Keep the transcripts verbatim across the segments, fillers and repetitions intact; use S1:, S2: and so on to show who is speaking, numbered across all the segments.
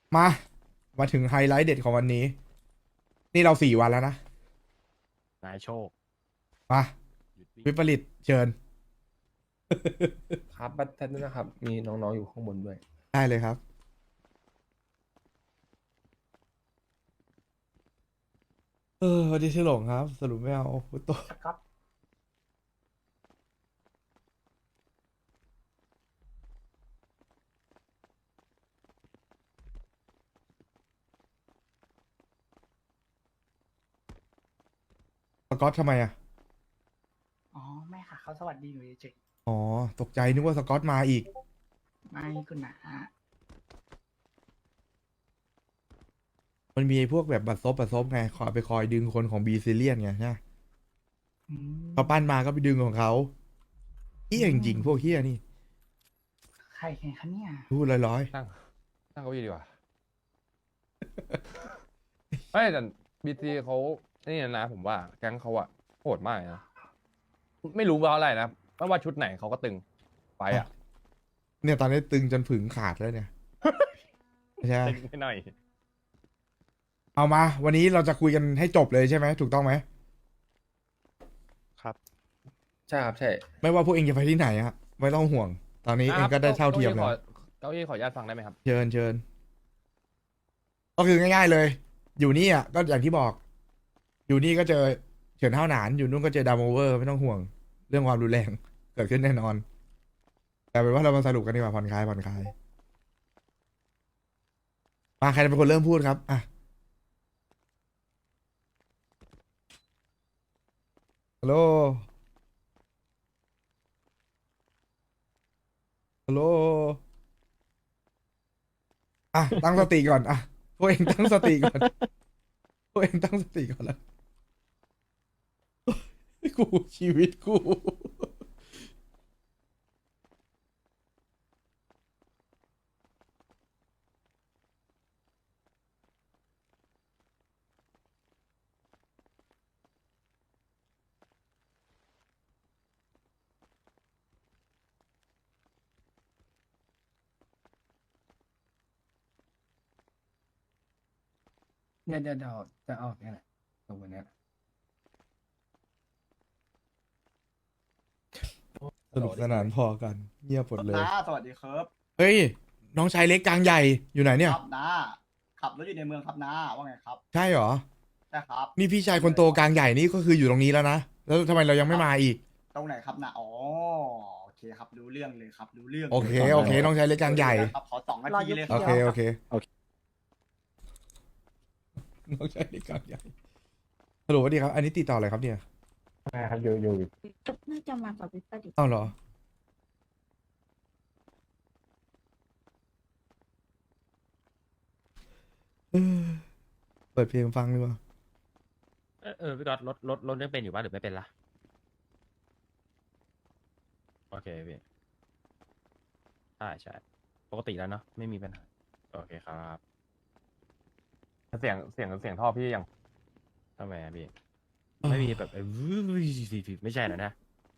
S1: มา มาถึงไฮไลท์เด็ดของวันนี้ นี่เราสี่วันแล้วนะ
S2: นายโชค
S1: มา
S2: หยุดวิ่ง
S1: วิปริตเชิญ
S3: ครับบัตรด้วยนะครับ มีน้องๆอยู่ข้างบนด้วย
S1: ได้เลยครับ เออวันนี้ชื่อหลงครับ สรุปไม่เอาพุตโต
S3: ครับ
S1: สกอตทำไมอ่ะ
S4: อ๋อไม่ค่ะเขาสวัสดีหนูเฉย
S1: อ๋อ ตกใจนึกว่าสกอตมาอีก
S4: ๆไม่คุณนะ
S1: มันมีไอ้พวกแบบบัตรซบบัตรซบไงขอไปคอยดึงคนของบีซิเลียนไงใช่ไหม
S4: อืม
S1: เขาปั้นมาก็ไปดึงของเขาเฮี้ยจริงๆพวกเฮี้ยนี่
S4: ใครแข่งคะเนี่ย
S1: พูดลอย
S3: ตั้งตั้งเก้าอี้ดีกว่า ไม่แต่บีซีเขานี่นะผมว่าแก๊งเขาอะโหดมากนะ ไม่รู้เพราะอะไรนะไม่ว่าชุดไหนเขาก็ตึงไปอะ
S1: ๆ เนี่ยตอนนี้ตึงจนผึงขาดแล้วเนี่ย ใช่
S3: ตึงไปหน่อย
S1: เอามา วันนี้เราจะคุยกันให้จบเลยใช่ไหมถูกต้องไหม
S3: ครับ
S5: ใช่ครับใช่
S1: ไม่ว่าพวกเองจะไปที่ไหนอะไม่ต้องห่วง ตอนนี้เองก็ได้เท่าเทียมแล้ว
S3: เก้าอี้ขออนุญาตฟังได้ไหมครับ
S1: เชิญเชิญก็คือง่ายๆเลย อยู่นี่อ่ะก็อย่างที่บอก อยู่นี่ก็เจอเฉินเท่าหนาน อยู่นู่นก็เจอดามโอเวอร์ไม่ต้องห่วง เรื่องความรุนแรง เกิดขึ้นแน่นอน แต่เป็นว่าเรามาสรุปกันดีกว่าผ่อนคลายผ่อนคลายมาใครจะเป็นคนเริ่มพูดครับอ่ะฮัลโหลฮัลโหลอ่ะตั้งสติก่อนอ่ะพวกเองตั้งสติก่อนพวกเองตั้งสติก่อนแล้วกูชีวิตกู
S5: เดี๋ยวเดี๋ยวเดี๋ยวจะออกเนี่ยแหละตรงวันเนี้ย
S1: สนุกสนานพอกัน เงียบหมดเลย
S6: น้าสวัสดีครับ
S1: เฮ้ย น้องชายเล็กกลางใหญ่อยู่ไหนเนี่ย
S6: ครับน้าขับรถอยู่ในเมืองครับน้าว่าไงครับ
S1: ใช่เหรอ
S6: ใช่ครับ
S1: นี่พี่ชายคนโตกลางใหญ่นี่ก็คืออยู่ตรงนี้แล้วนะ แล้วทำไมเรายังไม่มาอีก
S6: ตรงไหนครับน้าอ๋อโอเคครับรู้เรื่องเลยครับรู้เรื่อง
S1: โอเค โอเค น้องชายเล็กกลางใหญ่
S6: ครับขอสองนาทีเลยค
S1: โอ
S6: รับ
S1: เค โอเค น้องชายเล็กกลางใหญ่ฮัลโหลสวัสดีครับ อันนี้ติดต่ออะไรครับเนี่ย
S3: ใช่ครับอยู่อยู่
S7: น่าจะมากับวิปริต
S1: อ้าวเหรอ เออเปิดเพลงฟังดีกว่า
S2: เออเออพี่ก๊อตรถรถรถยังเป็นอยู่ป่ะหรือไม่เป็นละโอเคพี่ใช่ใช่ปกติแล้วเนาะไม่มีปัญหาโอเคครับ
S3: เสียงเสียงเสียงท่อพี่ยัง
S2: ทำไมอะพี่ไม่มีแบบเออไม่ใช่แล้วนะ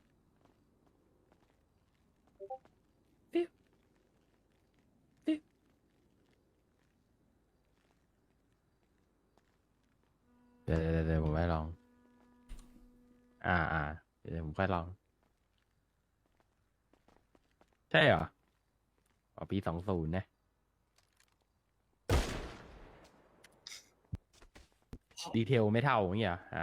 S2: เดี๋ยวเดี๋ยวเดี๋ยวผมไปลอง อ่าอ่าเดี๋ยวผมค่อยลอง ใช่เหรออ๋อปีสองศูนย์นะดีเทลไม่เท่าอย่างเงี้ยเหรออ่า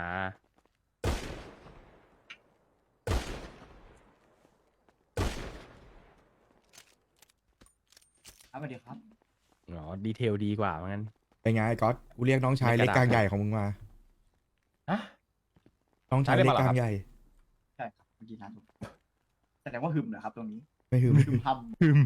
S6: ครับสวัสดีครับ
S2: อ๋อดีเทลดีกว่าเหมือนกัน
S1: เป็นไงไอ้ก๊อตกูเรียกน้องชายเล็กกลางใหญ่ของมึงมา
S3: ฮะ
S1: น้องชายเล็กกลางใหญ่
S6: ใช่ครับเมื่อกี้น้าถูกแสดงว่าหึมเหรอครับตรงนี้
S1: ไม่หืม
S6: หึมท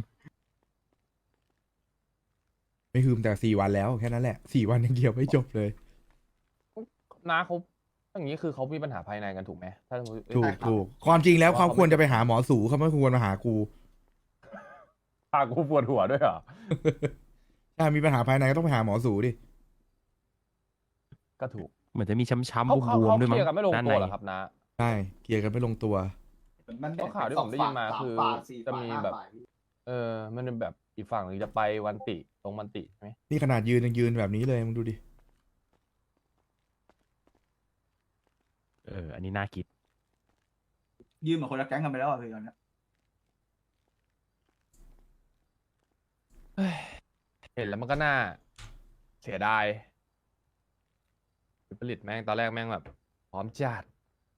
S1: ไม่หืมแต่สี่วันแล้วแค่นั้นแหละสี่วันยังเกี่ยวไม่จบเลย
S3: น้าเขาอย่างนี้คือเขามีปัญหาภายในกันถูกไหมถ้าสมมติ
S1: ถูกถูกความจริงแล้วเขาควรจะไปหาหมอสูเขาไม่ควรมาหากู
S3: พากูปวดหัวด้วยเหรอ
S1: ถ้ามีปัญหาภายในก็ต้องไปหาหมอสูดิ
S3: ก็ถูก
S2: เหมือนจะมีช้ำๆ
S3: เขา
S2: บ
S3: เขา
S2: วม
S3: เขา
S2: ๆด้วย
S3: เค
S2: มั้
S3: ลี
S2: ง
S3: ยร์กันไม่ลง
S2: ด้าน
S3: ตั
S2: ใน
S3: วเหรอครับน้า
S1: ใช่เคลียร์กันไม่ลงตัว
S6: ำมัน
S3: เพราะข่าวที่ผมได้ยินมาคือ
S6: สงฝ่ยสามฝ่ายสี่
S3: จะ
S6: ฝ่าย
S3: มี
S6: ห้า
S3: แบบ
S6: ฝ่าย
S3: เออมันเป็นแบบอีกฝั่งหนึงจะไปวันติตรงวันติใช่ไหม
S1: นี่ขนาดยืนยังยืนแบบนี้เลยมึงดูดิ
S2: เออ อันนี้น่าคิด
S6: ยืมเหมือนคนละแก๊งกันไปแล้วอ่ะพี่ตอนเนี้ย
S3: เห็นแล้วมันก็น่าเสียดายผลิตแม่งตอนแรกแม่งแบบพร้อมจัด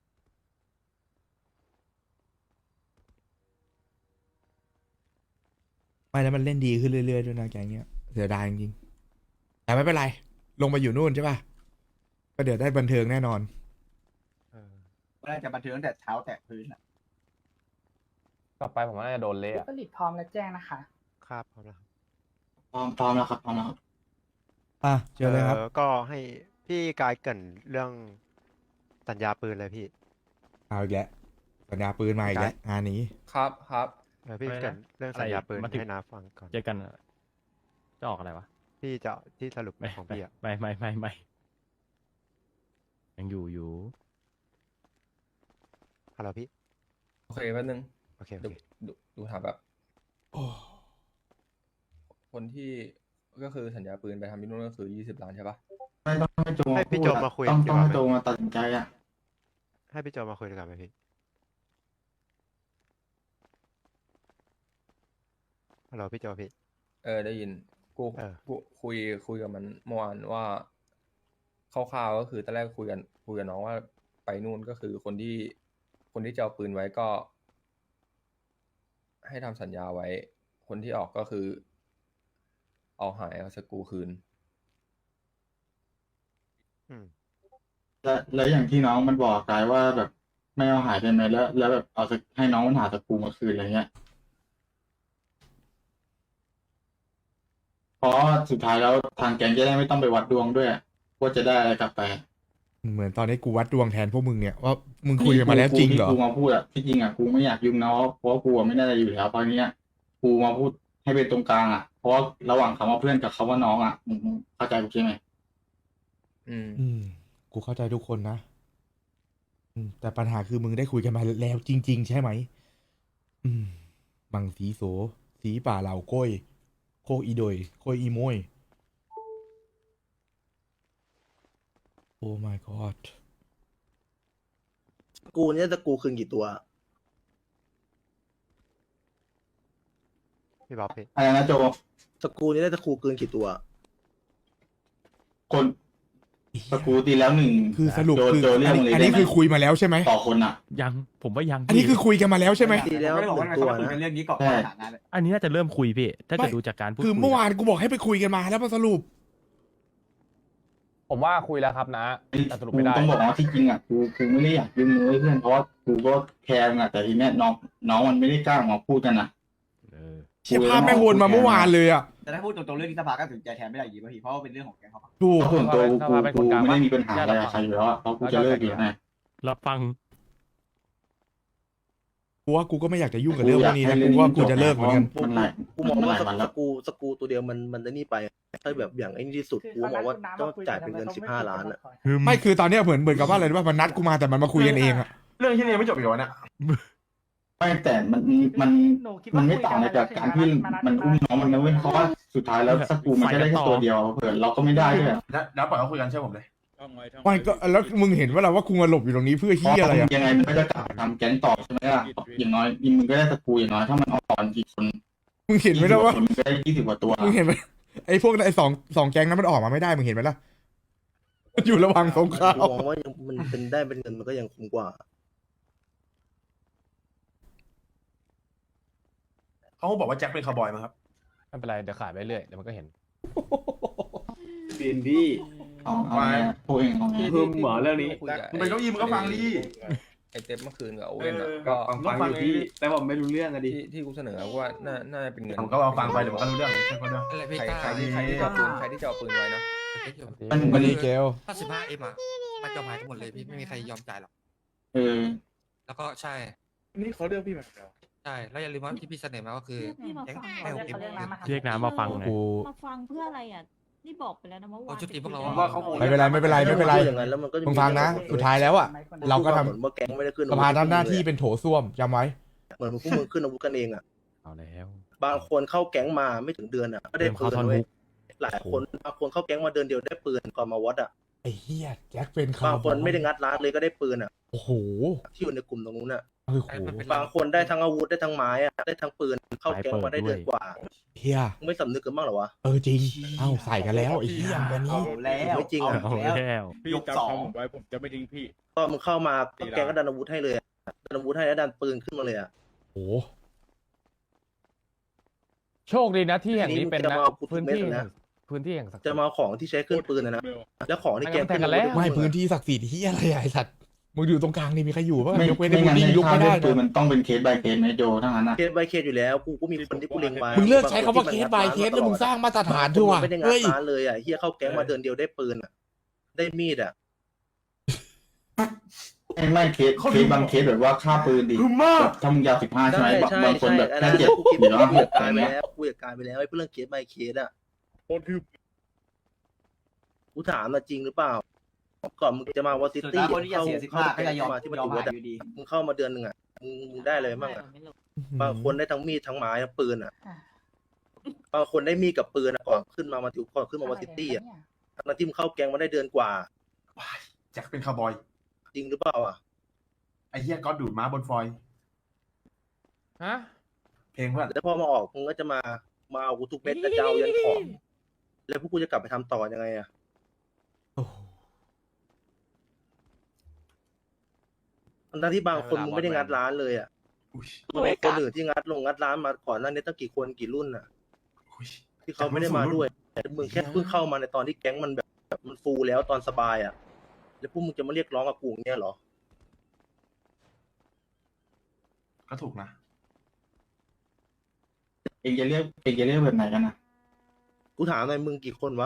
S1: ไม่แล้วมันเล่นดีขึ้นเรื่อยๆด้วยนะแกงเนี้ยเสียดายจริงๆแต่ไม่เป็นไร ลงมาอยู่นู่นใช่ป่ะก็เดี๋ยวได้บันเทิงแน่นอน
S3: เออ
S6: ก็น่าจะบันเทิงตั้งแต่เท้าแตะพื้นอ่ะ
S3: ต่อไปผมว่าน่าจะโดนเละ
S4: วิ
S3: อะ
S4: ปริตพร้อมแล้วแจ้งนะคะ
S8: ครับพร้อมแล้วครับ
S6: พร้อมพร้อมแล้วครับพร้อมแล้วครับ
S1: อ่ะเจอเลยครับ
S8: อ่อก็ให้พี่กายเกรินเรื่องสัญญาปืนเลยพี่
S1: เอาอีกแล้วสัญญาปืนมาอีกแล้วงานนี้
S3: ครับครับ
S8: เออพี่
S2: อะไรนะ
S8: เกรินเรื่อง
S2: อะไร
S8: สัญญาปืน
S2: มาถึง
S8: ให้นาฟังก่อน
S2: เจอกันอะจะออกอะไรวะ
S8: พี่จะที่สรุป
S2: ไม่
S8: ของ
S2: ไม่
S8: พี่อ่ะ
S2: ไม่ไม่ไม่ไม่ยังอยู่อยู่
S8: ฮัลโหลพี่
S3: โอเคแป๊บนึง
S8: โอเคโอ
S3: ดู
S8: เค
S3: ดูดูถามแบบ
S1: โอ้
S3: คนที่ก็คือสัญญาปืนไปทำที่นู่นก็คือยี่สิบล้านใช่ปะ
S6: ไม่ต้องให้โจ
S8: ให้พี่โจมาคุย
S6: ต้อง
S8: ดี
S6: ต้อง
S8: กว่า
S6: ให้
S8: ไหม
S6: โจมาตัดสินใจอ่ะ
S8: ให้พี่โจมาคุยดีกว่าไหมพี่ฮัลโหลพี่โจพี่
S3: เออได้ยินกู
S8: เออ
S3: กูคุยคุยกับมันเมื่อวานว่าคร่าวๆก็คือตอนแรกคุยกันคุยกับน้องว่าไปนู่นก็คือคนที่คนที่จะเอาปืนไว้ก็ ให้ทำสัญญาไว้ คนที่ออกก็คือ เอาหายเอาสกรูคืน
S8: อืม
S6: แล้วแล้วอย่างที่น้องมันบอกกายว่าแบบไม่เอาหายไปไหมแล้ว แล้วแบบเอาสกให้น้องมันหาสกรูมาคืนอะไรเงี้ยเพราะสุดท้ายแล้วทางแก๊งจะได้ไม่ต้องไปวัดดวงด้วยว่าจะได้อะไรกลับไป
S1: เหมือนตอนนี้กูวัดดวงแทนพวกมึงเนี่ยว่ามึงคุยกันมาแล้วจริงเหรอ
S6: กูมาพูดอะที่จริงอะกูไม่อยากยุ่งนะเพราะว่ากูอะไม่ได้อะไรอยู่แล้วตอนนี้ยกูมาพูดให้เป็นตรงกลางอะเพราะว่าระหว่างคำว่าเพื่อนกับคำว่าน้องอะมึงมึงเข้าใจกูใช่ไหม
S3: อืม
S1: อืม กูเข้าใจทุกคนนะ อืม แต่ปัญหาคือมึงได้คุยกันมาแล้วจริง ๆ ใช่ไหม อืม บังสีโส สีป่าเหล่าก้อย โคกอีโดย โคยอีโมย โอ้ my god
S9: สกรูเนี่ยสกรูคืนกี่ตัว
S8: พี่บ๊อบพี่
S6: อะไรนะโจ
S9: สกรูนี่ได้สกรูคืนกี่ตัว
S6: คนสกรูตีแล้วหนึ่ง
S1: คือสรุป
S6: โจ
S1: คือ
S6: โจเรีย
S1: อั
S6: ก
S1: น
S6: มึง
S1: นี้
S6: เลย
S1: อัน
S6: ได้
S1: นี้
S6: ไหม
S1: คือคุยมาแล้วใช่ไหม
S6: ต่อคนอะ
S2: ยังผมว่ายัง
S1: อันนี้คือคุยกันมาแล้วใช่ไหม
S9: ตีแล้ว
S6: ไม่ได้บอก
S9: หนึ่
S6: ว่าง
S9: ตัว
S6: เขาคุย
S9: นะ
S6: กันเรื่องนี้ก่อน
S1: ใช่
S6: ฐานะเลย
S2: อันนี้น่าจะเริ่มคุยพี่ ถ้า
S1: ไม่
S2: เกิดดูจากการพูด
S1: คือ
S2: คุย
S1: เมื่อวานกูบอกให้ไปคุยกันมาแล้วมาสรุป
S3: ผมว่าคุยแล้วครับนะแต่สรุป
S6: กู
S3: ไม่ได้
S6: ต้องบอกว่าที่จริงอะกูกูไม่ได้อยากยุ่งเลยเพื่อนเพราะว่ากูก็แคร์มึงอะแต่ทีเนี้ยน้องน้องมันไม่ได้กล้ามาพูดกันนะ
S2: เออ
S1: เชี่ยภาพแม่งวนมาเมื่อวานเลยอ่ะ
S6: แต่ถ้าพูดตรงๆเรื่องนี้สภาก็ถึงใจแทนไม่ได้อยู่ดีป่ะพี่เพราะว่าเป็นเรื่องของแกเขา
S1: ถูก
S6: ส่วนตัว
S3: ส
S6: กู
S3: ภาเป็นค
S6: กู
S3: นกลาง
S6: ไม่
S3: ปะ
S6: ได้มีปัญหาอะไรกับใครอยู่แล้วอะเพราะกูจะเลิกอยู่แล้วไง
S2: รับฟัง
S1: กูว่ากูก็ไม่อยากจะยุ่งกับเรื่องพวกนี้นะกูว่ากูจะเลิกเหมือนกัน
S6: มันหลาย
S9: กูมองว่า
S6: หลาย
S9: ส
S6: วันแล้ว
S9: กรูสกรูตัวเดียวมันมันได้นี่ไป ถ้าแบบอย่างไอ้นี่ที่สุด
S4: คือ
S9: กู
S4: เขา
S9: ม
S4: นั
S9: อ
S4: ด
S9: งว่า
S4: คุณน้ำ
S9: ต้อง
S4: มาคุย
S9: จ่าย
S4: กั
S9: เป็นเงิน
S4: ทำไม
S9: สิบ
S4: ข
S9: ห้า
S4: ไม่
S9: ล้านอ่ะ
S4: คุยกัก่
S1: ไม่คือตอนเนี้ยเหมือนเหมือนกับว่าอะไรรู้ป่ะมันนัดกูมาแต่มันมาคุยกันเองอ่ะ
S6: เรื่องที่นี่ยังไม่จบอีกวะเนี่ยไม่แต่มันมัน
S4: หนูคิด
S6: มั
S4: ว่าน
S6: ไม่ต่างอะไรจากการที่มันอุ้มน้องมันนะเว้ยเพราะว่าสุดท้ายแล้วสกรูมันก็ได้แค่ตัวเดียวเผื่อเราก็ไม่ได้ด้วย
S10: แล้วแล้วปล่อยเขาคุยกันเชื่อผมเลย
S1: ไม่ก็แล้วมึงเห็นว่าเราว่ากูมาหลบอยู่ตรงนี้เพื่อที่อะไรอ่ะ
S6: ยังไงมันก็จะกลับมาทำแก๊งต่อใช่ไหมล่ะอย่างน้อยมึงก็ได้สกรูอย่างน้อยถ้ามันออกกี่คน
S1: มึงเห็นไหมล่ะว่า
S6: มึงก็ได้ยี่สิบกว่าตัว
S1: มึงเห็นไหมไอ้พวกไอ้สองสองแก๊งนั้นมันออกมาไม่ได้มึงเห็นไหมล่ะมันอยู่ระหว่างสงคราม
S9: กูมองว่ายังมันเป็นได้เป็นเงินมันก็ยังคุ้มกว่า
S10: เขาบอกว่าแจ็คเป็นคาวบอยมาครับ
S3: ไม่เป็นไรเดี๋ยวขายไปเรื่อยเดี๋ยวมันก็เห็น
S10: ปีนพี่
S6: เอาเอาไงพวกเองเอาไง
S10: คือหมอเรื่องนี้
S3: คุยกับ
S10: มึงไปเก้าอี้มึงก็ฟังดิ
S3: ไอเต็มเมื่อคืนกับโอ
S10: เอ
S3: เว่น
S10: อ
S3: อะ
S10: ก็
S3: ก็
S10: ฟังอยู่พี่แต่ผมไม่รู้เรื่องอะดิ
S3: ที่ที่กูเสนอว่าน่าน่าจะเป็นเงิน
S10: ผมก็ลองฟังไปเดี๋ยวมันก็รู้เรื่องใช่ไหมเรื่อง
S3: ใครใครที่ใครที่จะเอาปืนใครที่จะเอาปืนไว้นะ
S6: มัน
S1: มั
S6: มัน น
S1: ดีเกล
S11: ถ้าสิบห้าเอ็มอ่ะมันยอมหายกันหมดเลยพี่ไม่มีใครยอมจ่ายหรอก
S6: เออ
S11: แล้วก็ใช่
S10: นี่เขาเลือกพี่มาแล้ว
S11: ใช่แล้วอย่าลืมว่าที่พี่เสนอมาก็คือ
S7: พี่มา
S11: แก๊ง
S7: ฟัง
S11: ให้หกเอ็ม
S4: เรียกน้ำมา
S2: เรียกน้ำมาฟังหน่อย
S1: กู
S7: มาฟังเพื่ออะไรอ่ะ นี่บอกไปแล้วนะเมื่อวาน
S11: โอ้ชุดทีมพวกเรา
S10: ผมว่าเขาคง
S1: ไม่เป็นไรไม่เป็นไรไม่เป็นไร
S9: อย่างนั้นแล้วมันก็จะ
S1: มึงฟังนะ สุดท้ายแล้วอ่ะ เราก็ทำ
S9: เหมือนว่าแก๊งไม่ได้ขึ้น
S1: สภาทำหน้าที่เป็นโถส้วมจำไว้
S9: เหมือนพวกมึงขึ้นอาวุธกันเองอ่ะ
S2: เอาแล้ว
S6: ก
S9: บางคนเข้าแก๊งมาไม่ถึงเดือนอ่ะก็ได้ปืนเว้ยหลายคนบางคนเข้าแก๊งมาเดือนเดียวได้ปืนก่อนมาวัดอ่ะ
S1: ไอ้เหี้ยแจ็คเป็น
S9: บาง
S1: ข่าว
S9: คนไม่ได้งัดร้านเลยก็ได้ปืนอ่ะ
S1: โอ้โห
S9: ที่อยู่ในกลุ่มตรงนู้นอ่ะ
S1: โอ้โห
S9: บางคนได้ทั้งอาวุธได้ทั้งไม้อ่ะได้ทั้งปืนเข้าแก๊งมาได้เดือนกว่า
S1: เฮีย
S9: มึงไม่สำนึกกันบ้างเหรอวะ
S1: เออจริง เอ้าใส่กันแล้วไอ้เหี้ยแบบนี้
S10: แล้ว
S9: ไม่จริงอ่ะ
S2: เอาแล้ว
S10: พี่จำคำผมไว้ผมจะไม่ทิ้งพี่
S9: ก็มึงเข้ามาก็แก๊งก็ดันอาวุธให้เลยอะดันอาวุธให้แล้วดันปืนขึ้นมาเลยอ่ะ
S1: โอ้
S3: โชคดีนะที่แห่งนี้เป็น
S9: จะ
S3: นะ
S9: มาเอากู
S3: พื้น
S9: ทุกเม็ด
S3: ที่
S9: เลยนะ
S3: แห่งพื้นที่แห่งศักดิ์สิ
S9: จะ
S3: ทธิ์
S9: มาเอาของที่ใช้ขึ้นปืนนะนะแล้วของที่แก๊ง
S3: ไม่งั้นแทงกันแล้ว
S1: ไม่พื้นที่ศักดิ์สิทธิ์เฮียอะไรอะไอ้สัตว์มึงอยู่ตรงกลางนี่มีใครอยู่ป่ะ
S6: ไม่
S1: ยกเว้น
S6: ไม่
S1: ไอ้บุ
S6: งั้น
S1: ลลี่
S6: ใน
S1: ลุก
S6: ค่า
S1: ไม่
S6: เล่
S1: ได้
S6: นปืนมันต้องเป็นเคส by เคสไหมโจทั้งนั้นนะ
S9: เคส by เคสอยู่แล้วกูก็มีคนที่กูเล็งไว้
S1: มึงเลิกใช้คำว่าเคส by เคสแล้วมึงสร้างมาตรฐานด้วยว่ะ
S9: ไม่ได้งัด
S1: เฮ้ย
S9: ร้านเลยอ่ะเฮียเข้าแก๊งมาเดือนเดียวได้ปืนอ่ะได้มีดอ่ะ
S6: ไม่ไม่เคสเคสบางเคสแบบว่าค่าปืนดิ
S10: คือมาก
S6: แบบถ้ามึงยาวสิบห้าใช่ไหมบาง
S9: ใช่
S6: บางคนแบบ
S9: ใช่
S6: แค่เจ็ด
S9: กูคิด
S6: หรือว่า
S9: กู
S6: ห
S9: อยาก ก
S6: อะ
S9: กา
S6: ไร
S9: ยไป
S6: เงี้ย
S9: แล้วกูอยากกายไปแล้วไอ้เรื่องเคส by เคสอ่ะ
S10: โคตรคือ
S9: กูถามมาจริงหรือเปล่าก่อนมึงจะมาวอซิตี้เข้าเข้าแก๊งมาที่ปฏิวัติอะมึงเข้ามาเดือนหนึ่งอ่ะมึงมึงได้เลยบ้างอ่ะ
S7: ไม่หรอก
S9: บางคนได้ทั้งมีดทั้งไม้ทั้งปืนอ่ะ บางคนได้มีดกับปืนอะก่อนขึ้นมามาติวก่อนขึ้นมาวอซิตี้อ่ะทั้งที่มึงเข้าแก๊งมาได้เดือนกว่า
S10: แจ็คเป็นคาร์บอย
S9: จริงหรือเปล่าอ่ะ
S10: ไอ้เหี้ยก็ดูดม้าบนฟอย
S3: ฮะ
S10: เพลงเพื่อน
S9: แล้วพอมาออกมึงก็จะมามาเอากูทุกเม็ดแล้วจะเอายันของแล้วพวกกูจะกลับไปทำต่อยังไงอ่ะ
S1: โอ้โห
S9: ทั้งที่บางคนมึงไม่ได้งัดร้านเลยอ่ะ
S10: อุ้ย
S9: มึงมีคนอื่นที่งัดลงงัดร้านมาก่อนหน้านี้ตั้งกี่คนกี่รุ่นอ่ะ
S10: อุ้ย
S9: ที่เขาไม่ได้มาด้วยแต่มึงแค่เพิ่งเข้ามาในตอนที่แก๊งมันแบบแบบมันฟูแล้วตอนสบายอ่ะ แล้วพวกมึงจะมาเรียกร้องกับกูอย่างเงี้ยเหรอ
S10: ก็ถูกนะ
S6: เองจะเรียกเองจะเรียกแบบไหนกันนะ
S9: กูถามหน่อยมึงกี่คนวะ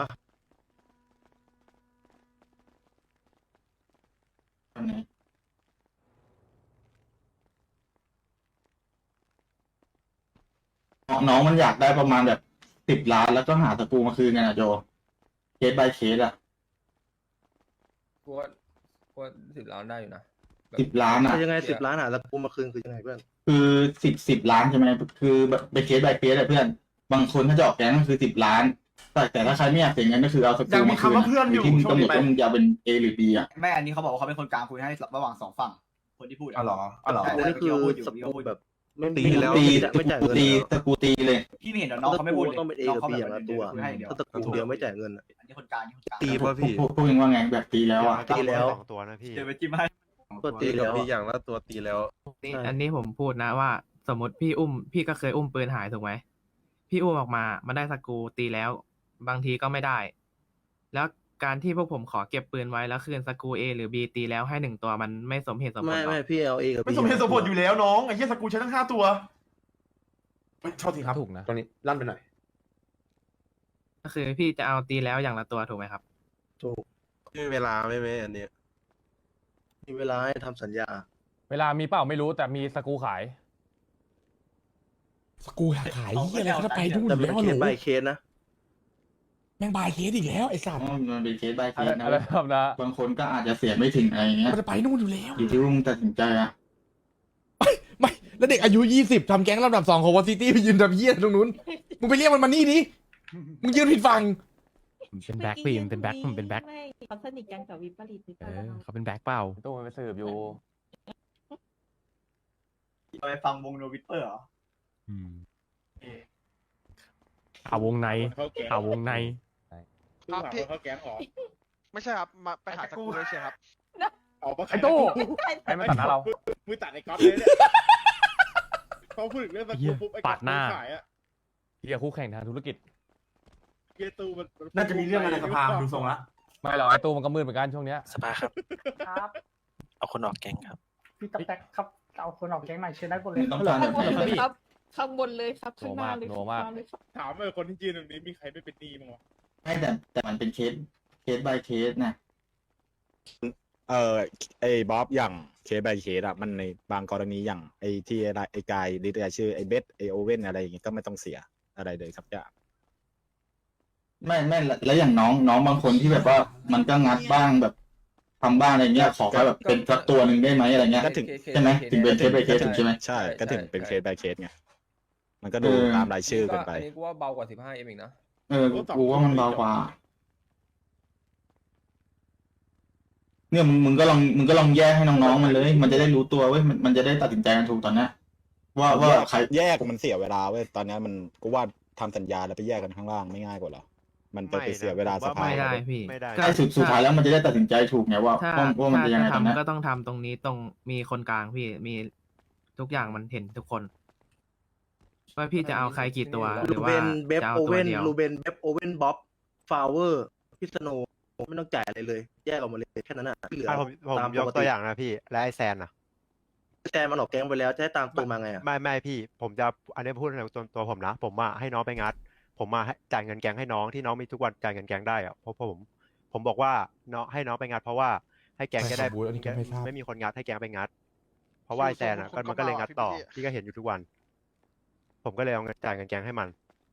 S6: แบบไหนน้องน้องมันอยากได้ประมาณแบบสิบล้านแล้วก็หาสกรูมาคืนกันนะโจเคส by เคสอะ
S5: กูว่ากูว่าสิบล้านได้อยู่นะ
S6: สิบล้านอะ
S9: คือยังไงสิบล้านหาแล้วกูมาคืนคือยังไงเพื่อน
S6: คือสิบสิบล้านใช่ไหมคือแบบเป็นเคส by เคสอะเพื่อน บางคนถ้าจะออกแก๊งก็คือสิบล้าน แต่แต่ถ้าใครไม่อยากเสียเงินก็คือเอาสกรู
S10: ยังมี
S6: มาคืน
S10: คำว่าเพื่อนอยู่
S6: ที่มึง
S10: ช่วง
S6: กำหน
S10: นี้
S6: ด
S10: ไป
S6: ว่ามึงจะเอาเป็น A หรือ B อะ
S12: แม่อันนี้เขาบอกว่าเขาเป็นคนกลางคุยให้ระหว่างสองฝั่งคนที่พูด
S10: อ๋อเหรออ๋อเหรอ
S12: ใช่
S9: กูนี่คือสกรูแบบไม่มี
S6: ตี
S9: แล้ว
S6: ตี
S9: ไม่จ่ายเงิน
S6: ตี
S9: เลย
S6: สกรูตีเลย
S12: พี่ไม่เห็นเหรอน้องเขาไม่พูดเลย
S9: ต้องเป็น A กับ B อย่างละตัว
S12: คุยให้เดียว
S9: ถ้าตระกูลเดียวไม่จ่ายเงินอะ
S12: อันนี้คนกลางอันนี้คนกลาง
S8: ตีป่ะพี่
S6: พวกพวกเองว่าไงแบบตีแล้วอะ
S9: ตีแล้ว
S8: สองตัวนะพี่
S12: เดี๋ยวไปจิ้มให้
S9: ก็ตีแล้ว
S5: มี
S9: อะ
S5: อย่างละตัวตีแล้ว
S9: ใช่
S13: อันนี้ผมพูดนะว่า สมมติพี่อุ้ม พี่ก็เคยอุ้มปืนหายถูกไหมพี่อุ้มออกมามันได้สกรูตีแล้ว บางทีก็ไม่ได้ แล้วการที่พวกผมขอเก็บปืนไว้แล้วคืนสกรู A หรือ B ตีแล้วให้หนึ่งตัวมันไม่สมเหตุสมผล
S9: ไม่
S13: หรอ
S9: ไม่พี่เอา A กับ B
S10: ไม่สมเหตุสมผลอยู่แล้วน้องไอ้เหี้ยสกรูใช้ทั้งห้าตัวเฮ้ยโทษทีครับ
S3: ถูกนะ
S10: ตรงนี้ลั่นไปหน่อย
S13: ก็คือพี่จะเอาตีแล้วอย่างละตัวถูกไหมครับ
S9: ถูก
S5: มีเวลาไหมไหมอันเนี้ย
S9: มีเวลาให้ทำสัญญา
S3: เวลามีเปล่าไม่รู้แต่มีสกรูขาย
S1: สกรูอยากขายเฮียอะไรก็ไปนู่น
S9: แต่
S1: อยู่
S9: เป็น
S1: แล้ว
S9: เค
S1: เหร
S9: ส
S1: อ
S9: by เคสนะ
S1: แม่งบายเคสอีกแล้วไอ้สัตว์
S6: อ๋อมันเป็นเคส by เค
S3: อะไร
S6: สนะ
S3: อะไรครับนะ
S6: บางคนก็อาจจะเสียไม่ถึงอะไรอย่างเงี้ย
S1: มันจะไปนู่นอยู่แล้ว
S6: อยู่ที่ว่ามึงตัดสินใจอะ
S1: ไม่แล้วเด็กอายุยี่สิบทำแก๊งลำดับสองของวอซิตี้ไปยืนทำเฮียตรงนู้นมึงไปเรียกมันมานี่ดิมึงยืนผิดฝั่ง
S2: เป็นแบ็คปีมเป็นแบ็คผมเป็นแบ็ค
S7: ไม่เขาสนิทกันกับวิปริตหรือเป
S2: เอ
S7: ล่า
S2: อเขาเป็นแบ็คเปล่า
S3: ตู้มันไปสืบอยู่
S12: ไปฟังวงโนวิทเปอร์เหรอ
S2: อืมข่าววงในข่าววงใน
S10: ครับพี่เขาแก๊งหรอ
S8: ไม่ใช่ครับมาไปหาสกรูเลยใช่ครับ
S10: ออกมา
S3: ไอ้ตู้ไอ้ไม่ตัดหน้าเรา
S10: มือตัดไอ้ก๊อตเลยเนี่ยเขาพูดถึงเรื่องสกรูปุ๊บไอ้ก๊อตขายอะ
S3: เฮียคู่แข่งทางธุรกิจ
S10: เกตูมันน่าจะมีเรื่องอะไรในสภาดูทรงละ
S3: ไม่หรอกไอ้ตู้มันก็มืดเหมือนกันช่วงเนี้ย
S13: สภาครับ
S4: ครับ
S13: เอาคนออกแก๊งครับ
S4: พี่ต๊อกแต๊กครับเอาคนออกแก๊งหน่อยเชิญได้บนเลย
S6: มึงต้องการแบบไหน
S7: ครับข้างบนเลยครับข้างหน้าเลย
S3: โนมาก
S7: ข้งหน้เลยครับ
S10: ถามเลยคนที่ยืนตรงนี้มีใครไม่เป็นหนี้มั้งวะ
S6: ไม่แต่แต่มันเป็นเคสเคส by เคสนะ
S5: เออไอ้บ๊อบอย่างเคส by เคสอะมันในบางกรณีอย่างไอ้ที่ไอ้กายดิสชื่อไอ้เบสไอ้โอเว่นอะไรอย่างงี้ก็ไม่ต้องเสียอะไรเลยสักอย่าง
S6: ไม่ไม่แล้วอย่างน้องน้องบางคนที่แบบว่ามันก็งัดบ้างแบบทำบ้างอะไรเงี้ยขอแค่แบบเป็นสักตัวหนึ่งได้ไหมอะไรเงี้ย
S5: ก็ถึง
S6: ใช่ไหมถึงเป็นเคส by เคสถึงใช่ไหม
S5: ใช่ก็ถึงเป็นเคส by เคสไงมันก็ดูตามรายชื่อกันไป
S3: อันนี้กูว่าเบากว่าสิบห้าเอ็มอีกนะ
S6: เออกูว่ามันเบากว่า เนี่ยมึงมึงก็ลองมึงก็ลองแยกให้น้องๆมันเลย มันจะได้รู้ตัวเว้ยมันมันจะได้ตัดสินใจกันถูกตอนเนี้ยว่าว่าใคร
S5: แยกมันเสียเวลาเว้ยตอนนี้มันก็ว่าทำสัญญาแล้วไปแยกกันข้างล่างไม่ง่ายกว่าเหรอมันไปไปเสียเวลาสภา
S13: ไม่ได้พี่
S8: ไม่ได้
S6: ใช่สุดสุดท้ายแล้วมันจะได้ตัดสินใจถูกไงว่า
S13: ถ้า
S6: ว่าว่ามัน
S13: ถ้า
S6: จะยังไง
S13: จะ
S6: ตอนเนี้ย
S13: ทำก็ต้องทำตรงนี้ตรงมีคนกลางพี่มีทุกอย่างมันเห็นทุกคนว่าพี่จะเอาใครกี่ตัวหรื
S9: ลู
S13: อ
S9: เบ
S13: ว่าน
S9: เบฟ
S13: จะเอา
S9: โอ
S13: ตัว
S9: เว่น
S13: เดียว
S9: ลูเบนเบฟโอเว่นบ๊อบฟาวเวอร์พิสโนไม่ต้องจ่ายอะไรเลย แยกออกมาเลยแค่นั้นอ่ะที่เหลือ
S8: อ่ะผมผม
S9: ตาม
S8: ย
S9: ป
S8: ก
S9: ก
S8: ตัว
S9: ติ
S8: อย่างนะพี่และไอแซนอ่ะ
S9: แต่มันออกแก๊งไปแล้วจะให้ตามตัวมาไงอ่ะ
S8: ไม่ไม่พี่ ผมจะอันนี้พูดในตัวตัวผมนะ ผมมาให้น้องไปงัด ผมมาให้จ่ายเงินแก๊งให้น้องที่น้องมีทุกวันจ่ายเงินแก๊งได้อะเพราะผม ผมบอกว่าน้องให้น้องไปงัด เพราะว่าให้แก๊งจะได้
S1: ใครขอบูธอันนี้ก็ไม่ทราบ
S8: ไม่มีคนงัดให้แก๊งไปงัด เพราะว่าไอแซนอ่ะก็มันก็เลยงัดต่อพี่ก็เห็นอยู่ทุกวัน ผมก็เลยเอาเงินจ่ายเงินแก๊งให้มัน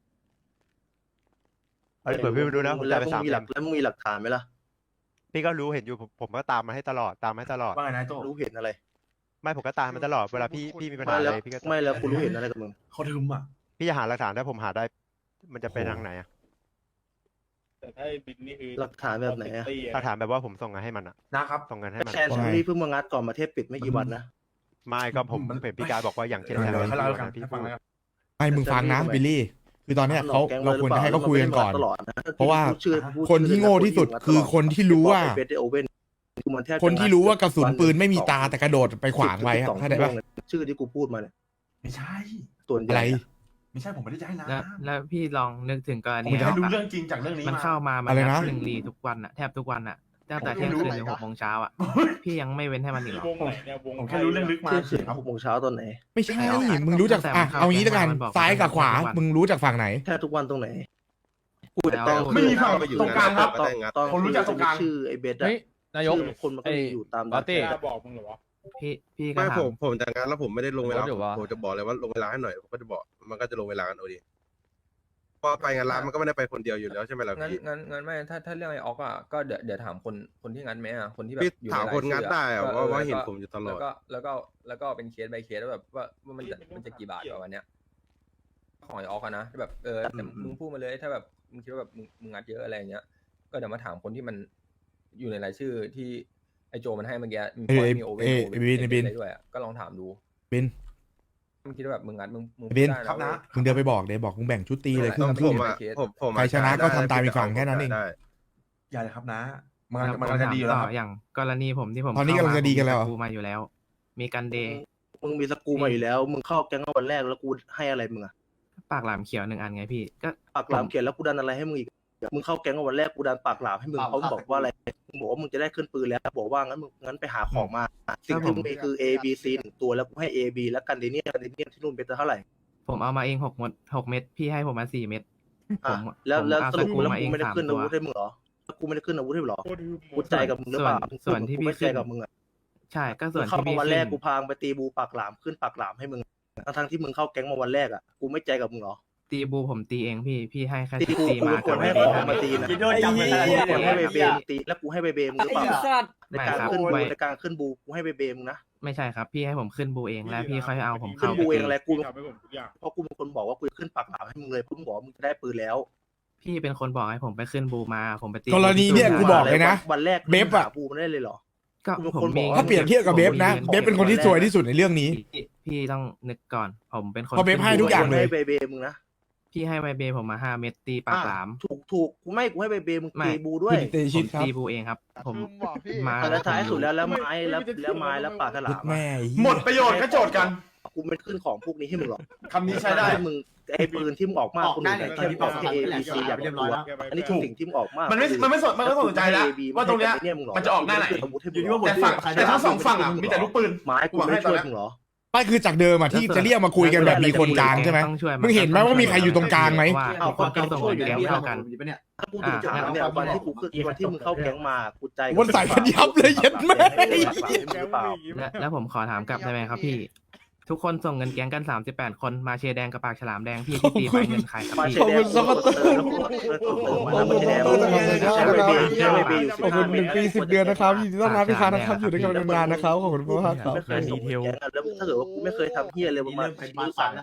S8: เอาเปิดพี่ไปดูนะผม
S9: แล้
S8: จ่ายว ไป
S9: มึง
S8: สาม
S9: มีห
S8: เอ็
S9: ลัก
S8: ม
S9: แล้วมึงมีหลักฐานไหมล่ะ
S8: พี่ก็รู้เห็นอยู่ผมผมก็ตามมาให้ตลอดตามมาให้ตลอด
S12: ว่าไงนายโต
S9: รู้เห็นอะไร
S8: ไม่ผมก็ตามมาตลอดเวลาพี่พี่มีปัญหา
S9: ไม่
S8: อะ
S9: แล้ว
S8: ไรพี่ก็
S9: ไม่แล้วกูรู้เห็นอะไรกับมึง
S12: เขาทึมอ่ะ
S8: พี่จะหาหลักฐานถ้าผมหาได้ มันจะไปทางไหนอะ
S10: แต่ถ้าไอ้บินนี่คือ
S9: หลักฐานแบบไหนอะ
S8: หลักฐานแบบว่าผมส่งเงินให้มันอะ
S12: นะครับ
S8: ส่งเงินให้มัน
S9: แซนชูรี่เพิ่งมางัดก่อนมาเทศปิดไม่กี่วันนะ
S8: ไม่ก็ผม
S12: มัน
S8: เห็นพี่การบอกว่าอย่างเช่น
S1: เดี๋ยว
S8: แซ
S12: ให้
S8: น
S12: เรา
S8: วัน
S12: กัน
S8: นั้นพี่
S12: ให้
S8: พู
S12: ฟัง
S8: ด
S12: แล้วกัน
S1: ไอ้มึงฟังนะบิลลี่ คือตอนเนี้ยเขา
S9: มันออกแก๊ง
S1: เรา
S9: เลย
S1: ควร
S9: หอ
S1: จะให้เขา
S9: ปล่
S1: คุยกันก่อน
S9: ตลอดนะ
S1: เพราะว่า
S9: พูดชื่อพูด
S1: คนที่โง่ที่สุดคือคนที่รู้ว่า
S9: เบสโอเว่นกูมันแทบจะ
S1: คนที่รู้ว่ากระสุนปืนไม่มี
S9: สอง
S1: ตาแต่กระโดดไปขวางไว้อะ
S9: สอง
S1: เข้าใจปะ
S9: ชั่วโมงเลยชื่อที่กูพูดมาเนี่ย
S12: ไม่ใช่
S9: ส่วนให
S1: อะไร
S9: ญ่อะ
S12: ไม่ใช่ผมไม่ได้จะให้นะ
S13: แล้วแล้วพี่ลองนึกถึงกร
S12: ผม
S13: ณี
S12: จะให้รู้
S13: อะ
S12: เรื่องจริงจากเรื่องนี้
S13: มัน
S12: มา
S13: เข้ามามัน
S1: อะไร
S13: นั
S1: นะ
S13: บหนึ่งรีทุกวันอะแทบทุกวันอะตั้งแต่
S12: ผม
S13: เที่ยง
S12: ไม่รู้
S13: คืน
S12: ไหน
S13: ถึง
S12: ค
S13: ห
S12: รับ
S13: กโมงเช้าอะพี่ยังไม่เว้นให้มันอีกเหรอ
S10: วงไหนเนี่ยวง
S12: ผมแค่รู้เรื่องลึกมา
S9: เที่ยง
S12: เฉ
S9: คืน
S12: ยครับ
S9: หกโมงเช้าตอนไหน
S1: ไม่ใช่
S13: เอา
S1: มึงรู้จาก
S13: แต่
S1: อ่ะ
S13: มันเข้า
S1: เอางี้แล้วกัน
S13: มันบอก
S1: ซ้ายกับขวา
S13: ทุกวัน
S1: มึงรู้จากฝั่งไหน
S9: แทบทุกวันตรงไหนกู
S13: แล้ว
S9: แต่
S12: ไม่มีฝั่งตรงกลางครับ
S9: ตอนตอน
S12: ผมรู้จักตรงกลาง
S9: ชื่อไอ้เบสอะ
S3: เฮ้ยนายก
S9: ชื่อคนมันก็มีอยู่ตาม
S3: ปาร์ตี้
S10: กล้าบอกมึงเหรอวะ
S13: พี่พี่ก็
S14: ไม่
S13: ถาม
S14: ผมผมจากงานแล้วผมไม่ได้ลงเวลา
S3: เดี๋ยวว่า
S14: ผมจะบอกเลยว่าลงเวลาให้หน่อยผมก็จะบอกมันก็จะลงเวลากันเอาดีพอไปงานร้านมันก็ไม่ได้ไปคนเดียวอยู่แล้วใช่ไหมล่ะ
S3: งั้น
S14: พี่
S3: งั้นงั้นไม่ถ้าถ้าเรื่องไอ้ออกอ่ะก็เดี๋ยวเดี๋ยวถามคนคนที่งัดไหมอ่ะคนที่แบบ
S14: พี่
S3: อยู่
S14: ถาม
S3: ใน
S14: คนงัด
S3: รยชื่
S14: ได้อะ
S3: ก็
S14: ว่า
S3: เออ
S14: ว่า
S3: แล้ว
S14: เห็น
S3: ก็
S14: ผมอยู่ตลอด
S3: แล้วก็แล้วก็แล้วก็เป็นเคส by เคสแล้วแบบว่าว่ามันจะมันจะกี่บาทประมาณเนี้ยของไอ้ออกอะนะแบบเออแต่มึงพูดมาเลยถ้าแบบมึงคิดว่าแบบมึงมึงงัดเยอะอะไรอย่างเงี้ยก็เดี๋ยวมาถามคนที่มันอยู่ในรายชื่อที่ไอโจมันให้เมื่อกี้มี
S1: เอ้ย
S3: มีโอเว่น
S1: เอ้ย
S3: โอเว่น
S1: บินบิน
S3: อะไรด้วยอะก็ลองถามดู
S1: บิน
S3: มึงคิดว่าแบบมึงงัดมึงมึง
S1: บิน
S3: พูดได้
S12: ครับนะ
S3: เว้ย
S1: มึงเดินไปบอกเดี๋ยวบอกมึงแบ่งชุดตีเลยครึ่ง
S14: ผ
S1: ครึ่ง
S14: มอะผมผมอะ
S1: ใครชนะก็
S14: ได้
S1: ทำตาม
S14: ได้
S1: อีกฝั่งแค่นั้นเอง
S14: ได้
S12: อย่าเลยครับนะ มัน
S13: แล้ว
S12: มัน
S13: ผม
S12: กำลังจะ
S13: ถาม
S12: ดีอยู่แล้
S13: ต่
S12: ว
S13: อ
S12: ครับ
S13: อย่างกรณีผมที่ผม
S1: ตอนนี้
S13: เข้าก
S1: ำลังจะดีกันแล้วเหรอ
S13: ผมมีสกรูมาอยู่แล้ว มีกันเดย์
S9: มึงมีสกรูมาอยู่แล้ว มึงเข้าแก๊งวันแรกแล้วกูให้อะไรมึงอะ
S13: ปากหลามเขียวหนึ่งอันไงพี่ก็
S9: ปากหลามเขียนแล้วกูดันอะไรให้มึงอีก มึงเข้าแก๊งวันแรกกูดันปากหลามให้มึงเขาบอกว่าอะไร มึงบอกว่ามึงจะได้ขึ้นปืนแล้ว บอกว่างั้นมึงงั้นไปหาของมา สิ่งที่มึงมีคือ A B C หนึ่งตัวแล้วกูให้ A B แล้วกันเดเนียกันเดเนียที่นู่นเป็นเท่าไหร่
S13: ผมเอามาเองหกเม็ดหกเม็ดพี่ให้ผมมาสี่เม็ดผ
S9: อ่ะ
S13: ม
S9: แล้ว
S13: ผม
S9: แล้ว
S13: เอา
S9: ส
S13: ส
S9: รุป
S13: กรู
S9: แล้ว
S13: มาเอ
S9: กู
S13: ง
S9: ไม่ได้
S13: สาม
S9: ขึ้น
S13: ตั
S9: อาว วุธให้มึงเหรอแล้วกูไม่ได้ขึ้นอาวุธให้มึงเหรอ
S10: โคตรฮึ
S9: กูใจกับมึงหรือเปล่า
S13: ส่วนที่พี่
S9: กูไม่ใจ
S13: ขึ้น
S9: กับมึงอะ
S13: ใช่ก็ส่วน
S9: เข้า
S13: ที่
S9: มา
S13: พี่
S9: วัน
S13: ขึ้
S9: แรก
S13: น
S9: กูพางไปตีบูปากหลามขึ้นปากหลามให้มึงทั้งที่มึงเข้าแก๊งมาวันแรกอ่ะกูไม่ใจกับมึงเหรอ
S13: ตีบูผมตีเองพี่พี่ให้แค่
S9: ตีกู
S13: ตี
S9: กู
S13: มา
S9: เป็นคนให้
S13: เบ
S9: ของ
S13: ห้า
S9: มา
S13: เม็ด
S9: ตีนะ
S12: คิดว่าจำไม่ได้
S9: กูเป็นคนให้
S12: ไอ้
S9: เบ
S12: เหี้
S9: เบ
S12: ย
S9: มึงตีแล้วกูให้เบเบมึงหรือเปล่าใน
S13: ไม่
S9: การ
S13: ครับ
S9: ขึ้นบู
S13: ไม่
S9: ในการขึ้นบูกูให้เบเบมึงนะ
S13: ไม่ใช่ครับ พี่ให้ผมขึ้นบูเองแล้วพี่ค่อยเอาผม
S9: ขึ้
S13: เข้าน ไป
S9: บูเอง
S13: ตี
S9: อะไรกู
S10: ทำให้ผมทุกอย่าง
S9: เพราะกูเป็นคนบอกว่ากูจะขึ้นปากหลามให้มึงเลยกูบอกว่ามึงจะได้ปืนแล้ว
S13: พี่เป็นคนบอกให้ผมไปขึ้นบูมาผมไปตี
S1: กรณีเนี่ยกูบอกเลยนะ
S9: วันแรก
S1: เบฟอะ
S9: บูมันได้เลยเหรอ
S13: ก็
S9: กูเป็น
S13: ผ
S9: ค
S13: ม
S9: นบอก
S13: มี
S9: ว่า
S1: ถ้าเปรียบเทียบกับเบฟนะ เบฟเป็นคนที่สวยที่สุดในเรื่องนี้
S13: พี่พี่ต้องนึกก่อน ผมเป็นคน
S1: เพราะเบฟให้ทุกอย่างเลย
S9: ให้เบเบมึงนะ
S13: พี่ให้ไวเบผมมาห้าเม็ดตีปากหลาม
S9: ถูกถูกกูไม่กูให้เบเบมึง
S13: ไม่
S9: ตีบูด้วย
S1: คุณเตชิ
S13: ผ
S1: ต
S13: ม
S1: ครับ
S13: ตีบูเองครับ ผมมา
S9: แล้วท้ายสุดแล้วแล้วไม้แล้วแล้วไม้แล้วปากฉลาม
S1: แม่
S12: หมดประโยชน์ก็โจทย์กัน
S9: กูไม่ขึ้นของพวกนี้ให้มึงหรอก
S12: คำนี้ใช้ได้
S9: ให้มึงไอ้ปืนที่มึงออกมากคนอื่นแต่แค่บอกแค่ A B C อย่างเดียวอันนี้คือสิ่งที่มึงออกมาก
S12: มันไม่มันไม่สนมันไม่สนใจแล้วว่าตรงเนี้ยมันจะออกหน้าไหน
S9: อยู่ที่ว่า
S12: แต่ฝั่งแต่ทั้งสองฝั่งอ่ะมีแต่ลูกปืน
S9: ไม้กูไม่ช่วยมึงเหรอ
S1: ไม่คือจากเดิมอ่ะที่จะเรียกมาคุยกันแบบมีคนกลางใช่ไหม
S13: ต้องช่วย
S1: มึงเห็นไหมว่ามีใครอยู่ตรงกลางไหม
S13: ว่า
S9: เอา
S13: ทุกคนต้องส่ง
S9: ก็
S13: เงินแก๊ง
S9: ช่วยอยู่
S13: เท่ากัน
S9: ถ้าพูดถึงจุดนั้นเนี่ยวันที่กูขึ้นวันที่มึงเข้าแก๊งมากูใจ
S1: วันใส่กันยับเลยเย็ดแม่
S9: หรือเปล่า
S13: และแล้วผมขอถามกลับได้ไหมครับพี่ ทุกคนส่งเงินแก๊งกันสามสิบแปดคนมาเชยร์แดงกับปากฉลามแดงพี่ที่ตีไปเงินใครครับ
S9: มา
S13: พี่
S9: เชดแดงแล้วก็เติมแล้วก็เติมมาแล้วมาเชดแดงใช้เบเบใช้เบเบอยู่
S1: ขอบคุณหนึ่งปีสิบเดือนนะครับยินดีต้อนรับพี่ค้านะครับอยู่ด้วยกันนานๆนะครับขอบคุณมากครับ
S9: ไม่เคยส่งแก๊งแล้วถ้าเกิดว่ากูไม่เคยทำเฮียเลยประมาณมือสั่น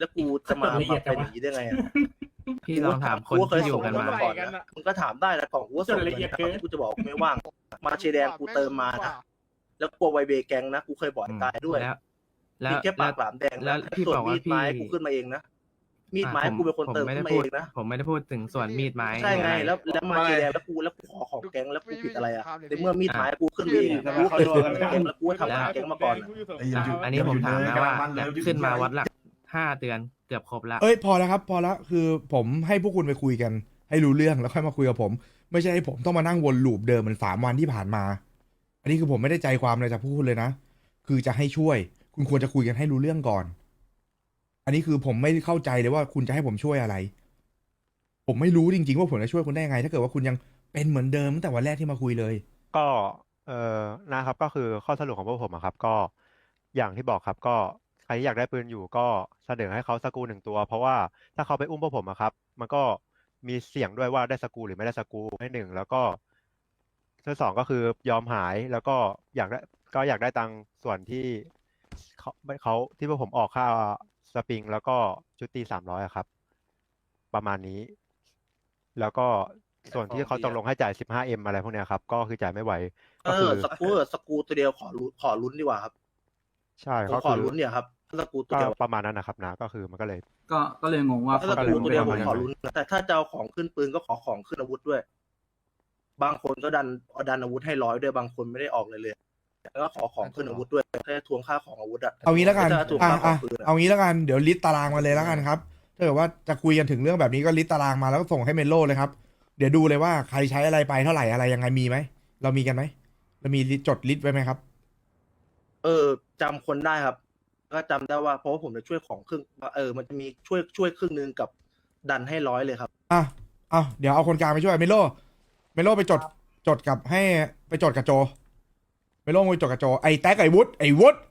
S9: แล้วกูจะมามาเป็นอย่างนี้ได้ไงอะ
S13: พี่ลองถามคนที่อยู่กันมา
S9: ก่อนนะมึงก็ถามได้นะกล่องกูก็ส่งเลยนะกูจะบอกไม่ว่าง มาเชยร์แดงกูเติมมานะแล้วกลัวไวเบแกงนะกูเคยบอกไอ้กายด้วย
S13: แล้ว แล้
S9: มี
S13: ว
S9: แค่ปากหลามแดง
S13: แล้ว
S9: นะ
S13: พี่
S9: ส่ว
S13: บ
S9: น
S13: อก
S9: มี
S13: ว่า
S9: ดไม้
S13: พี่
S9: กูขึ้นมาเองนะมีดไม้
S13: อ่ะ
S9: กูเป็นคน
S13: ผม
S9: เติม
S13: ไม่
S9: ขึ้
S13: ได้
S9: นมา
S13: พู
S9: เอ
S13: ด
S9: งนะ
S13: ผมไม่ได้พูดถึงส่วนมีดไม้
S9: ใช่ไง
S13: หรืออะร
S9: แล้วแล้วมาเชยร์แดงแล้วกูแล้วกูขอของแกงแล้วกูผิดอะไรอ่ะในเมื่อมีดไม้กูขึ้นมาเองอะกูเคยทำแกงแล้วกูก็ทำงานแกงมาก่อนอะ
S13: อันนี้ผมถามนะว่าเนี่ยขึ้นมาวัดหลักห้าเดือนเกือบครบละ
S1: เอ้ยพอแล้วครับ พอแล้วคือผมให้พวกคุณไปคุยกัน ให้รู้เรื่องแล้วค่อยมาคุยกับผม ไม่ใช่ให้ผมต้องมานั่งวนลูปเดิมเหมันสามวันที่ผ่านมา อันนี้คือผมไม่ได้ใจความอะไรจากพวกคุณเลยนะ คือจะให้ช่วย คุณควรจะคุยกันให้รู้เรื่องก่อน อันนี้คือผมไม่เข้าใจเลยว่าคุณจะให้ผมช่วยอะไร ผมไม่รู้จริงๆว่าผมจะช่วยคุณได้ยังไง ถ้าเกิดว่าคุณยังเป็นเหมือนเดิมตั้งแต่วันแรกที่มาคุยเลย
S8: ก็เออนะครับก็คือข้อสรุปของพวกผมอะครับ ก็อย่างที่บอกครับ ก็ใครที่อยากได้ปืนอยู่ก็เสนอให้เขาสกรูหนึ่งตัว เพราะว่าถ้าเขาไปอุ้มพวกผมอะครับ มันก็มีเสี่ยงด้วยว่าได้สกรูหรือไม่ได้สกรูให้หนึ่งแล้วก็ที่สองก็คือยอมหายแล้วก็อยากได้ก็อยากได้ตังค์ส่วนที่เขาเขาที่พวกผมออกค่าสปริง แล้วก็ชุดตีสามร้อยครับ ประมาณนี้ แล้วก็ส่วนที่เขาตกลงให้จ่าย สิบห้าเอ็ม อะไรพวกเนี้ยครับ ก็คือจ่ายไม่ไหว
S9: เอ
S8: ก็คือ
S9: อสกรูเออสกรูตัวเดียวขอลุ้นขอลุ้นดีกว่าครับ
S8: ใช่
S9: ผม
S8: ก็
S9: ขอ
S8: คือ
S9: ลุ้นเนี่ยครับสกรูตัว
S8: ก็
S9: เดียว
S8: ประมาณนั้นนะครับนะก็คือมันก็เลย
S12: ก็ก็เลยงงว่า
S9: ถ้าส
S8: ก็
S9: ก
S8: เล
S9: รู
S8: ย
S9: ตัวเดียวผม
S8: ไม่ได้
S9: ขอลุ้นนะแต่ถ้าจะเอาของขึ้นปืนก็ขอของขึ้นอาวุธด้วย บางคนก็ดันเอาดันอาวุธให้ร้อยด้วยบางคนไม่ได้ออกเลยเลยแล้วก็ขอของขึ้นอาวุธด้วยแค่ทวงค่าของอาวุธอะ
S1: เอางี้แล้วกัน
S9: ถ้าทวง
S1: อ่ะ
S9: ค่าขอ
S1: อ่ะ
S9: งปืนอะ
S1: เอางี้แล้วกัน เดี๋ยวลิสต์ตารางมาเลยแล้วกันครับ ถ้าเกิดว่าจะคุยกันถึงเรื่องแบบนี้ก็ลิสต์ตารางมาแล้วก็ส่งให้เมโลเลยครับ เดี๋ยวดูเลยว่าใครใช้อะไรไปเท่าไหร่อะไรยังไงมีไหม เรามีกันไหม เรามีจดลิสต์ไว้ไหมครับ
S9: เออจำคนได้ครับ ก็จำได้ว่าเพราะว่าผมจะช่วยของครึ่งเออมันจะมีช่วยช่วยครึ่งหนึงกับดันให้ร้อยเลยครับ
S1: อ่ะเอาเดี๋ยวเอาคนกลางไปช่วยเมโล เมโลไปจด จดกับให้ไปจดกับโจ เมโลไปจดกับโจ ไอ้แท็กไอ้วุฒไอ้วุฒ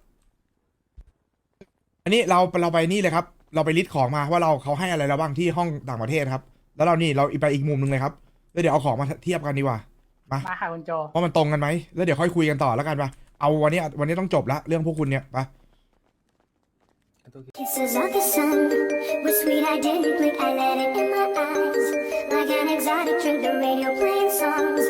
S1: อันนี้เราเราไปนี่เลยครับ เราไปลิสต์ของมาว่าเราเขาให้อะไรเราบ้างที่ห้องต่างประเทศครับ แล้วเรานี่เราไปอีกมุมหนึ่งเลยครับ แล้วเดี๋ยวเอาของมาเทียบกันดีกว่า มา
S4: มาค่ะคุณโจ
S1: ว่ามันตรงกันไหม แล้วเดี๋ยวค่อยคุยกันต่อแล้วกันปะเอาวันนี้วันนี้ต้องจบละเรื่องพวกคุณเนี่ยปะ
S15: Kisses of the sun were sweet, I didn't blink, I let it in my eyes. Like an exotic drink, the radio playing songs